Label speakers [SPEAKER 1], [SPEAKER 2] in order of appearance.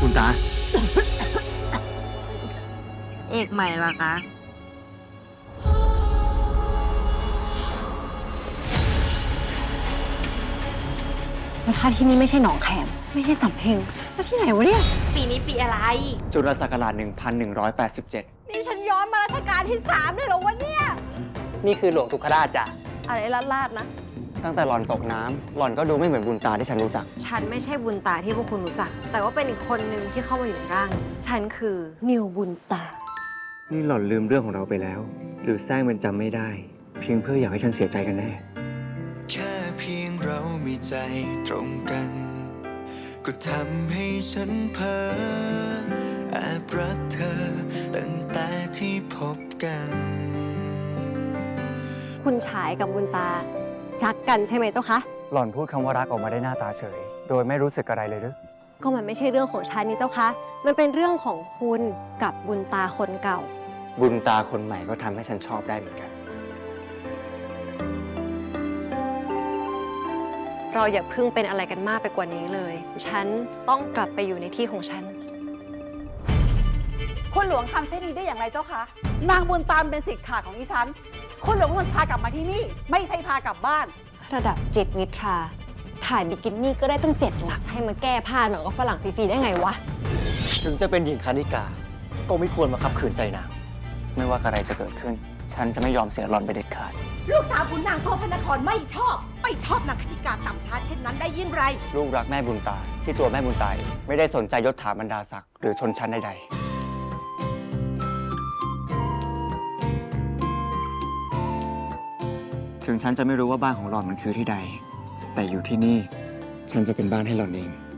[SPEAKER 1] คุณตา
[SPEAKER 2] เอกใหม่ล่ะคะ
[SPEAKER 3] แล้วถ้าที่นี่ไม่ใช่หนองแขมไม่ใช่สำเพ็งแล้วที่ไหนวะเนี่ย
[SPEAKER 2] ปีนี้ปีอะไร
[SPEAKER 1] จุลศักราช1187
[SPEAKER 3] นี่ฉันย้อนมารัชกาลที่3เลยเหรอวะเนี่ย
[SPEAKER 1] นี่คือหลวงทุกขราชจ้ะ
[SPEAKER 3] อะไรลาดๆนะ
[SPEAKER 1] ตั้งแต่หล่อนตกน้ำหล่อนก็ดูไม่เหมือนบุญตาที่ฉันรู้จัก
[SPEAKER 3] ฉันไม่ใช่บุญตาที่พวกคุณรู้จัก แต่ว่าเป็นอีกคนนึงที่เข้ามาอยู่ในร่าง ฉันคือนิวบุญตา
[SPEAKER 1] นี่หล่อนลืมเรื่องของเราไปแล้ว หรือแซงมันจำไม่ได้ เพียงเพื่ออยากให้ฉันเสียใจกันแน่
[SPEAKER 4] แค่เพียงเรามีใจตรงกัน ก็ทำให้ฉันเพ้อแอบรักเธอตั้งแต่ที่พบกัน
[SPEAKER 3] คุณชายกับบุญตา รักกันใช่ไหมเจ้าคะ
[SPEAKER 1] หล่อนพูดคำว่ารักออกมาได้หน้าตาเฉย โดยไม่รู้สึกอะไรเลยหรือ
[SPEAKER 3] ก็มันไม่ใช่เรื่องของฉันนี่เจ้าคะ มันเป็นเรื่องของคุณกับบุญตาคนเก่า
[SPEAKER 1] บุญตาคนใหม่ก็ทำให้ฉันชอบได้เหมือนกัน
[SPEAKER 3] เราอย่าเพิ่งเป็นอะไรกันมากไปกว่านี้เลย ฉันต้องกลับไปอยู่ในที่ของฉัน
[SPEAKER 5] คุณหลวงทำเช่นนี้ได้อย่างไรเจ้าคะ นางบุญตามเป็นสิทธิ์ขาดของดิฉัน คุณหลวงควรพากลับมาที่นี่ ไม่ใช่พากลับบ้าน
[SPEAKER 3] ระดับ7นิทรา ถ่ายบิกินี่ก็ได้ตั้ง7 หลัก ให้มาแก้ผ้าหน่อยก็ฝรั่งฟรีๆได้ไงวะ
[SPEAKER 1] ถึงจะเป็นหญิงคณิกา ก็ไม่ควรมาขับขืนใจนาง ไม่ว่าอะไรจะเกิดขึ้น ฉันจะไม่ยอมเสียหล่อนไปเด็ดขาด
[SPEAKER 6] ลูกสาวขุนนางโทพระนครไม่ชอบนางคณิกาต่ำช้าเช่นนั้นได้ยิ่งไร
[SPEAKER 1] ลูกรักแม่บุญตา ที่ตัวแม่บุญตาเองไม่ได้สนใจยศถาบรรดาศักดิ์หรือชนชั้นใดๆ ถึงฉันจะไม่รู้ว่าบ้านของหล่อนมันคือที่ใด แต่อยู่ที่นี่ ฉันจะเป็นบ้านให้หล่อนเอง